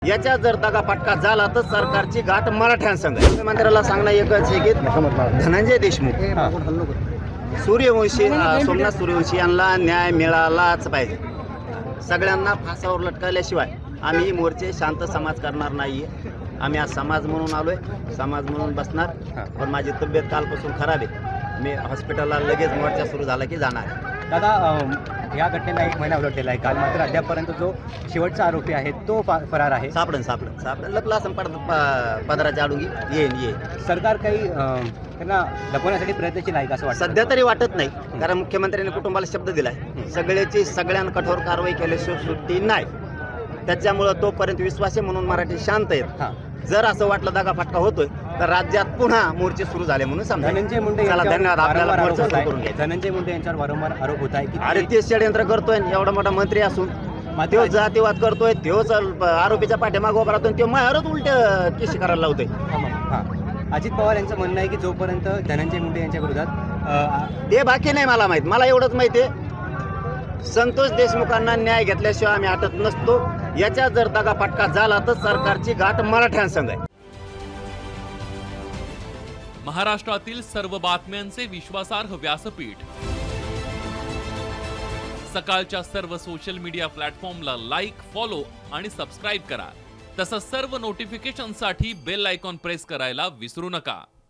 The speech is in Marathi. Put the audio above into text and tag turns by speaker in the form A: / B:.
A: याच्या जर दगाफटका झाला तर सरकारची गाठ मराठ्यांसंग आहे. मुख्यमंत्र्याला सांगणं एकच आहे की धनंजय देशमुख सूर्यवंशी सोमनाथ सूर्यवंशी यांना न्याय मिळालाच पाहिजे. सगळ्यांना फासावर लटकवल्याशिवाय आम्ही मोर्चे शांत समाज करणार नाहीये. आम्ही आज समाज म्हणून आलोय, समाज म्हणून बसणार. पण माझी तब्येत कालपासून खराब आहे. मी हॉस्पिटलला लगेच मोर्चा सुरू झाला की जाणार आहे.
B: दादा, या घटनेला 1 महिना उलटलेला आहे. काल मात्र अद्यापपर्यंत जो शेवटचा आरोपी आहे तो फरार आहे.
A: सापडन लपला पदराच्या आडून येईन.
B: सरकार काही त्यांना लपवण्यासाठी प्रयत्नशील आहे का असं वाटतं?
A: सध्या तरी वाटत नाही, कारण मुख्यमंत्र्यांनी कुटुंबाला शब्द दिलाय सगळ्यांना कठोर कारवाई केल्याशिवाय सुट्टी नाही. त्याच्यामुळं तोपर्यंत विश्वास आहे म्हणून मराठी शांत आहेत. जर असं वाटलं दगाफटका होतोय तर राज्यात पुन्हा मोर्चे सुरू झाले म्हणून समजा.
B: धनंजय मुंडे
A: धन्यवाद. आपल्याला मोर्चा सुरू करून घ्यायचा.
B: धनंजय मुंडे यांच्यावर वारंवार आरोप होत आहे की
A: अरे ते षडयंत्र करतोय, एवढा मोठा मंत्री असून तो जातीवाद करतोय, तोच आरोपीच्या पाठीमागे उभा राहतोय, तो मायावरच उलट केशी करायला लावतोय.
B: अजित पवार यांचं म्हणणं आहे की जोपर्यंत धनंजय मुंडे यांच्या विरोधात
A: ते बाकी नाही मला माहित. मला एवढंच माहिती आहे, संतोष देशमुखांना न्याय घेतल्याशिवाय आम्ही हटत नसतो. याच्या जर दगाफटका झाला तर सरकारची गाठ मराठ्यांसंग आहे.
C: महाराष्ट्रातील सर्व बातम्यांचे विश्वासार्ह व्यासपीठ, सकाळच्या सर्व सोशल मीडिया प्लॅटफॉर्मला लाईक, फॉलो आणि सबस्क्राईब करा. तसंच सर्व नोटिफिकेशनसाठी बेल आयकॉन प्रेस करायला विसरू नका.